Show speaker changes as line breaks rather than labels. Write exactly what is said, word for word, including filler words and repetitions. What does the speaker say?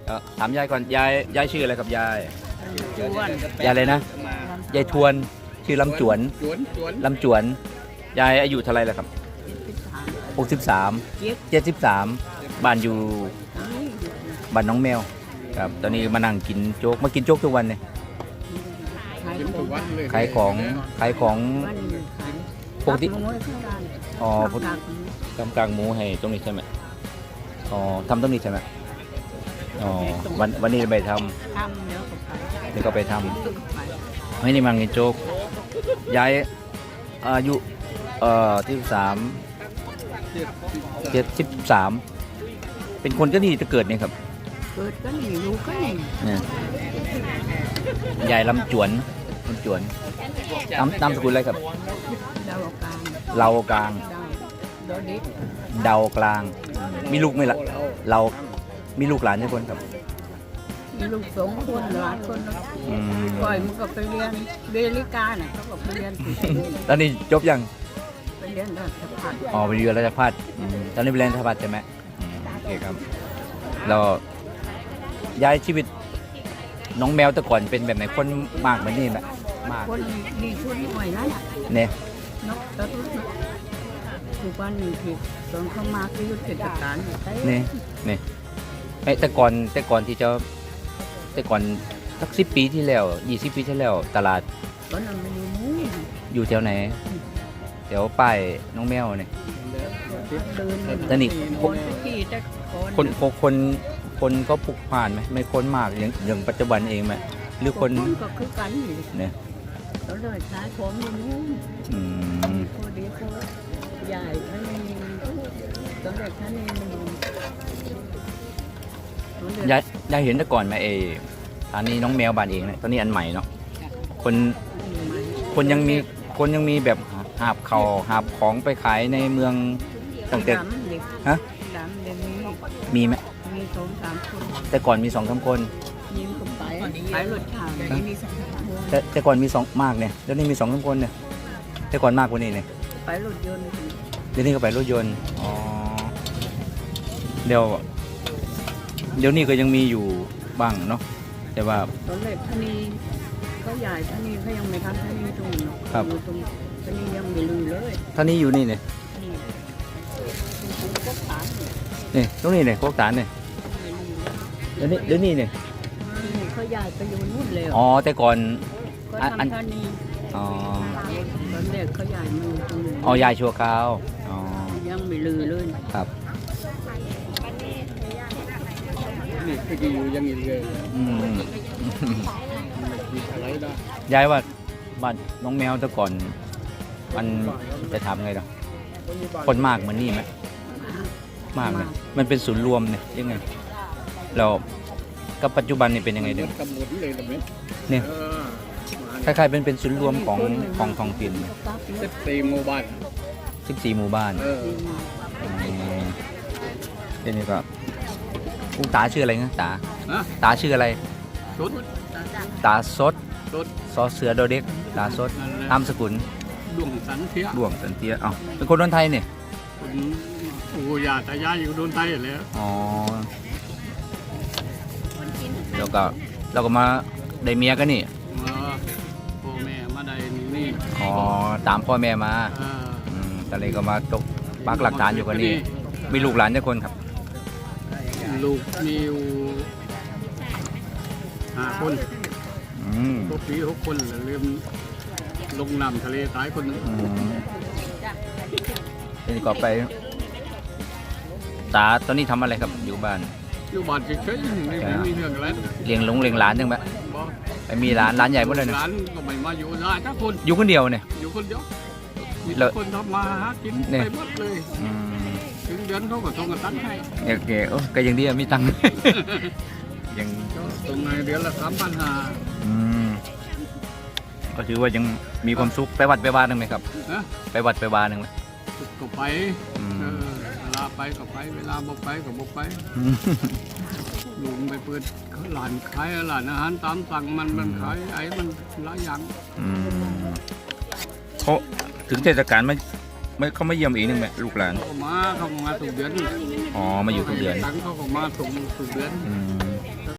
เอ่อถามยายก่อนยายยายชื่ออะไรครับยาย
จวน
ยายอะไรนะยายทวนชื่อลำจวน
จวนจวน
ลำจวนยายอายุเท่าไหรแล้วครับหกสิบสามเจ็ดสิบสามบ้านอยู่บ้านน้องแมวครับตอนนี้มานั่งกินโจ๊กมากินโจ๊กทุกวันเนี่ย
กินทุกวันเลย
ขายของขายของปกติ
ตักหมูให้ข้างล่าง
อ๋อ
ตักหมู
ทำกลางหมูให้ตรงนี้ใช่ไหมอ๋อทำตรงนี้ใช่ไหมอ๋อวันวันนี้ไปท
ทำเดี๋ยวก็ไป
ำนี่ก็ไปท
ตึกไป
ำไม่ได้มากินโจ๊กยายอายุเอ่อที่สามเจ็ดสิบสามเป็นคนก็นี่จะเกิดเนี่ยครับ
เกิดก็นี่รู้ก็นี่
เนี่ยยายลำจวนลำจวนนามนามสกุลอะไรครับ
ดาวกลาง
เรากลาง
ดาวดอดิ
เดากลาง มีลูกไหมล่ะเรามีลูกหลานกี่คนครับ
มีลูกสองคนหลานคนนะ
อืม
ปล่อยมันก็ไปเรียนเบลิกาเนี่ยเขาก็ไปเรียนที่
ตอนนี้จบยัง
ไปเรียนราชภัฏ
อ๋อไปเรียนราชภัฏอืมตอนนี้ไปเรียนราชภัฏใช่ไหมอืมโอเคครับเราย้ายชีวิตน้องแมวแต่ก่อนเป็นแบบไหนคนมากเหมือนนี่ไหมมาก
คนดีชุดหน่อยนั่นน่ะ
เนี่ย
นกตะลุกทุกวันนี้ที่ตอนเขามาคือยุทธการใช่
นี่นี่ไอ้แต่ก่อนแต่ก่อนที่จะแต่ก่อนสักสิบปีที่แล้วยี่สิบปีที่แล้วตลาด
ตอนนั้นมันอยู่นู้น
อยู่แถวไหนแถวป้ายน้องแมวเนี่ย
เดิน
แต่นี่
คนที่แต่
คนคนคนคนก็ปลุกผ่านไหมไม่คนมากอย่างอย่างปัจจุบันเองไหมหรือคน
ก็คือกันอยู่
เนี่ย
แล้วเลยขายของอยู่นู้น
อืม
พอดีเขาใหญ่ท่านนี้ตอนเด็กท่านนี้มันอยู่ตอนเด็ก
ยายยายเห็นแต่ก่อนไหมเอออันนี้น้องแมวบ้านเองเนี่ยตอนนี้อันใหม่เนาะคนคนยังมีคนยังมีแบบหาบเขาหาบของไปขายในเมืองตั้งแต่
ดำเด็ก
ฮะ
ดำเด็กนี้
มีไหม
มีสองสามคน
แต่ก่อนมีสองสามคน
ยิ้มกันไปขายรถชาเลยมีสองสามคน
แต่แต่ก่อนมีสองมากเนี่ยเดี๋ยวนี้มีสองสามคนเนี่ยแต่ก่อนมากกว่านี้เนี่ย
ไปรถยนต์
เดี๋ยวนี้ก็ไปรถยนต์อ๋อเดี๋ยวเดี๋ยวนี้ก็ยังมีอยู่บ้างเนาะแต่ว่า
ตอนเด็กท่านนี้เขาใหญ่ท่านนี้เขายังไม่ทำท่านนี้ตรงนี้เนาะอยู่ตรงท่านนี้ยังไม่รู้เลย
ท่านี้อยู่นี่เนี่ย
นี่ก็ขาย
นี่ตรงนี้เนี่ยโคกตานเนี่ยเดี๋ยวนี้เดี๋ยวนี้เนี่ย
เขาย้ายไปอยู่นู่นเลย
อ๋อแต่ก่อน
ก็
อันอัน
ทำท่านี้
อ๋อ
ตอนเด็กเขาย้ายมาอยู่ตรงนี้
อ๋อยายชัวคราวอ๋อ
ยังไม่ลือเลย
ครับ
นี่คืออยู่อยังนี้เลย
อืม
มีอะไรนะ
ยายว่าบ้านน้องแมวแต่ก่อน มันจะทำไงเนาะคนมากเหมือนนี่ไหมมากไหมมันเป็นศูนย์รวมเนี่ยยังไงเรากับปัจจุบันนี่เป็นยังไงเด้อก
ำหนดเลยตรงนี้
เนี่ย
เออ
คล้ายๆเป็นเป็นศูนย์รวมของของท้องถิ่น
สิบสี่หมู่บ้าน
สิบสี่หมู่บ้าน
เออ
มเดี๋ยวนี้ก็คุณตาชื่ออะไรนะตา
ฮะ
ตาชื่ออะไร
ชุด
ตาสด
ชุด
ซอเสือโดเด็กตาสด
นั่นแหละ
นามสกุล
ดวงสันเทีย
ดวงสันเตียเอ้าเป็นคนคนไทยเนี่ย
คุณปู่ย่าตายายอยู่โดนไทยแล้ว
อ๋อแล้วก็เราก็มาได้เมียกันนี่
มาพ่อแม่มาได้นี่
อ๋อตามพ่อแม่มา
เออ
อืมตอนนี้ก็มาตกปักหลักฐานอยู่กันนี่มีลูกหลานกี่คนครับ
ลูกมีอยู่ห้าคน
อืม
พวกปีหกคนแล้วลืมลงน้ำทะเลตายคนหนึง
อืมเดี๋ยวนี้ก็ไป ตาตอนนี้ทำอะไรครับอยู่บ้าน
อยู่บ้านเฉยๆไม่ไม่มีเรื่องอะไร
เลี้ยงหลงเลี้ยงหลานจังไหม
บอก
ไปมีหลานหลานใหญ่หมดเลยนะ
ร้านก็ไม่มาอยู่ได้ทุกคน
อยู่คนเดียวเนี่ย
อยู่คนเดียวมี
แล้ว
คนทำมาหากิน
เนี่ย
ไปหมดเลย
อืม
ถึงเดือนเขาก็ส่งกันตังค์ให้
โอเคโอ้ก็ยังดีอะมีตังค์ ยัง
ส่งในเดือนละสามพันห้า
อืมก็ถือว่ายังมีความสุขไปวัดไปวาหนึ่งไหมครับ
นะ
ไปวัดไปวาหนึ่งไหม
ก็ไป
อืม
เออเวลาไปก็ไป เวลาบ่ไปก็บ่ไป
อืม
ลุงไปเปิดร้านขายร้านอาหารตามสั่งมันมันขายไอ้มันหลายอย่าง
อืมเขาถึงเทศกาลไม่ไม่เขาไม่เยี่ยมอีกหนึ่งไหมลูกหลาน
เขาก็มาเขาก็มาทุกเดือน
อ๋อมาอยู่ทุกเดือน
ตังค์เขาก็มาส่งทุกเดือน
อืม